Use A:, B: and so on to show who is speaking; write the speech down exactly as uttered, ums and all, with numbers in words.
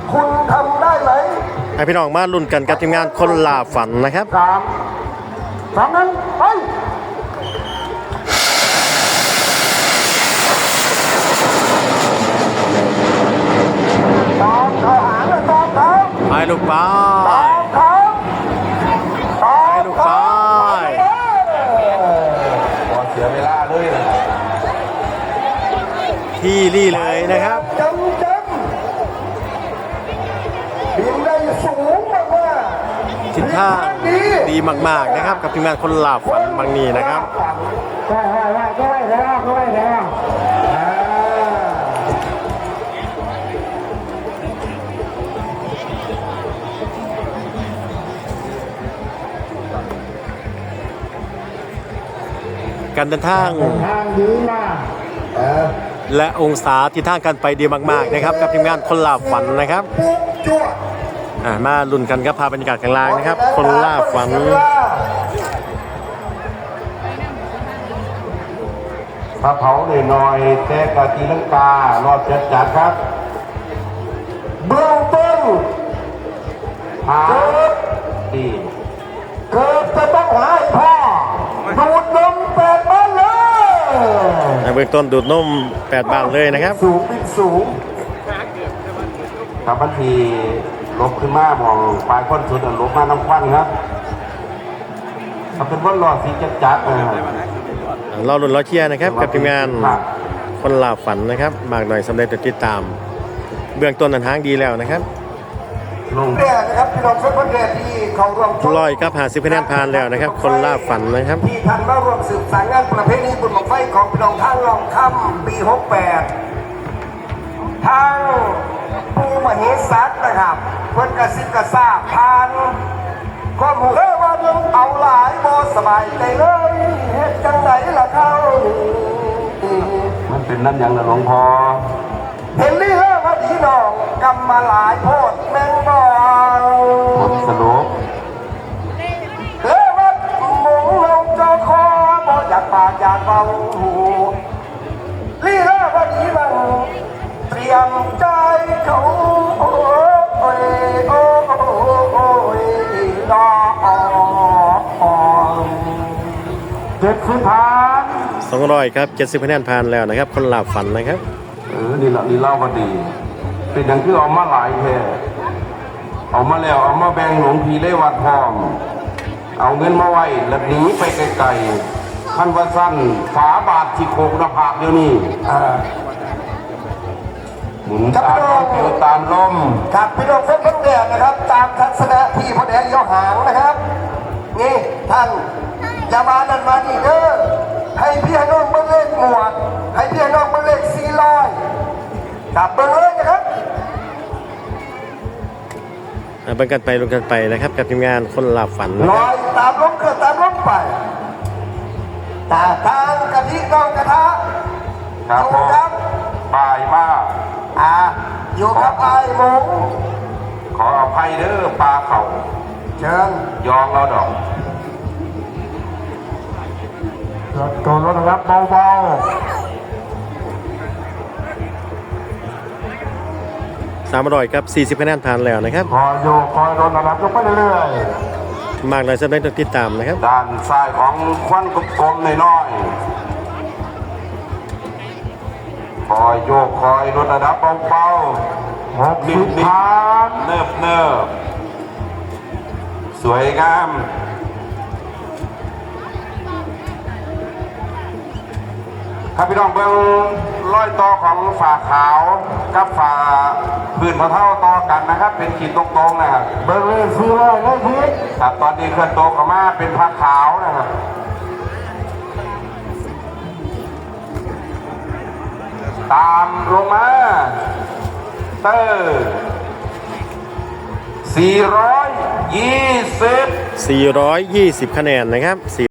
A: คุณทำได้ไหม
B: ให้พี่น้องมาลุ้นกันกับทีมงานคนล่าฝันนะครับ
A: สามสามนั้นไปตามเขาหางเลยตามเขา
B: ไปลูกป้า
A: ตามเขาตา
B: ไปลูกป้า
A: พอเสียเวลาเลยนะ
B: ที่รี่เลยนะครับ
A: จำจำบินได้สูงมากๆ
B: ทิศทางดีมากๆนะครับกับทีมงานคนล่าฝันบางนี้นะครับ
A: ใช่ใช่ใช่ใช่แล้วใช่แล้ว
B: การเดินทาง
A: ทางดีมาก
B: และองศาที่ทางกันไปดีมากๆนะครับกับทีมงานคนล่าฝันนะครับมาลุ้นกันครับพาบรรยากาศข้างล่างนะครับคนล่าฝัน
A: พระเผาหน่อยๆแต่กะตีลังการอดจัดจัดครับเบื้องต้นหาดีเกิดจะต้องหายพ่อดูดนมแปดบ้านเลย
B: เบื้องต้นดูดนมแปดบ้านเลยนะครับ
A: สูงเป็นสูงครับบางทีลบขึ้นมามองปลายก้นสุดลบมาน้ำควันครับถ้าเป็นว่ารอสีจัดจัด
B: รอลุ้นรอเชียร์นะครับกับทีมงานคนล่าฝันนะครับมากหน่อยสำเร็จติดตามเบื้องต้นนั้นทางดีแล้วนะครับ
A: ลงแรกนะครับพี่น้องเพื่อนแรกที่เขาร่วม
B: ลอยครับหาสิบคะแนนผ่านแล้วนะครับคนล่าฝันนะครับ
A: ที่ท่านมาร่วมสืบสานงานประเพณีบุญบั้งไฟของพี่น้องทางลองค่ำปีหกแปดทางปูมเหสัตนะครับเพื่อนกระซิบกระซาบผ่านข้อมูลว่าเอาหลายโมสบายใจเลยเหตุจังไหนล่ะเขามันเป็นนั่นอย่างละหลวงพ่อเห็นลี่เล่ว่าพี่น้องกำมาหลายโพดแมงบองผลสรุปเล่ว่าหมงลงจอคอบ่อยากปากอยากเบาลี่เล่ว่าพี่บังเตรียมใจเขาโอ้ยโอ้ยโอ้ยดอกเจ็ดสิบพัน
B: สองร้อยครับเจ็ดสิบคะแนนผ่านแล้วนะครับคนล่าฝันนะครับ
A: เออนี่แหละนี่เล่ามาดีเป็นอย่างที่เอามาหลายแค่เอามาแล้วเอามาแบ่งหลวงพี่ได้วัดพร้อมเอาเงินมาไว้แล้วหนีไปไกลๆท่านว่าสั้นฝาบาทที่โคกหน้าผากเดี๋ยวนี้หมุนตามลมตามลมครับพี่น้องเพื่อนเพื่อนแดดนะครับตามทัศนะที่พ่อแดงย่อหางนะครับนี่ท่านอย่ามานั่นมานี่เด้อให้พี่น้องเบิ้งเลขหมวดให้พี่น้องเบิ้งเลขสี่ร้อยจับเบิ้งเลยนะครับ
B: เบิ้งกันไปลงกันไปนะครับกับทีมงานคนล่าฝัน
A: ลอยตามลมเกิดตามลมไปตาทางกะทิน้องกระทะครับผมบายมากอ่าอยู่กับไอ้หมูขออภัยเด้อปลาเข่าเชิญยองเราดอกรถตัวรถนะครับเบา
B: ๆสามร้อยครับสี่สิบคะแนนผ่านแล้วนะครับ
A: คอยโยกคอยรถนะครับยกไปเรื่อย
B: ๆมากเลยสำหรับติดตามนะครับ
A: ด้านซ้ายของควันกลมๆน้อยๆคอยโยกคอยรถนะครับเบาๆหกสิบพันเนิบเนิบสวยงามครับพี่น้องเบื้องร้อยต่อของฝาขาวกับฝาพื้นพะเท่าต่อกันนะครับเป็นขีดตรงๆนะครับเบื้องเลยซื้อเลยเลยพี่ครับตอนนี้เคลื่อนตัวเข้ามาเป็นผ้าขาวนะครับตามลงมาเตอร์สี่ร้อยยี่สิบ
B: สี่ร้อยยี่สิบคะแนนนะครับ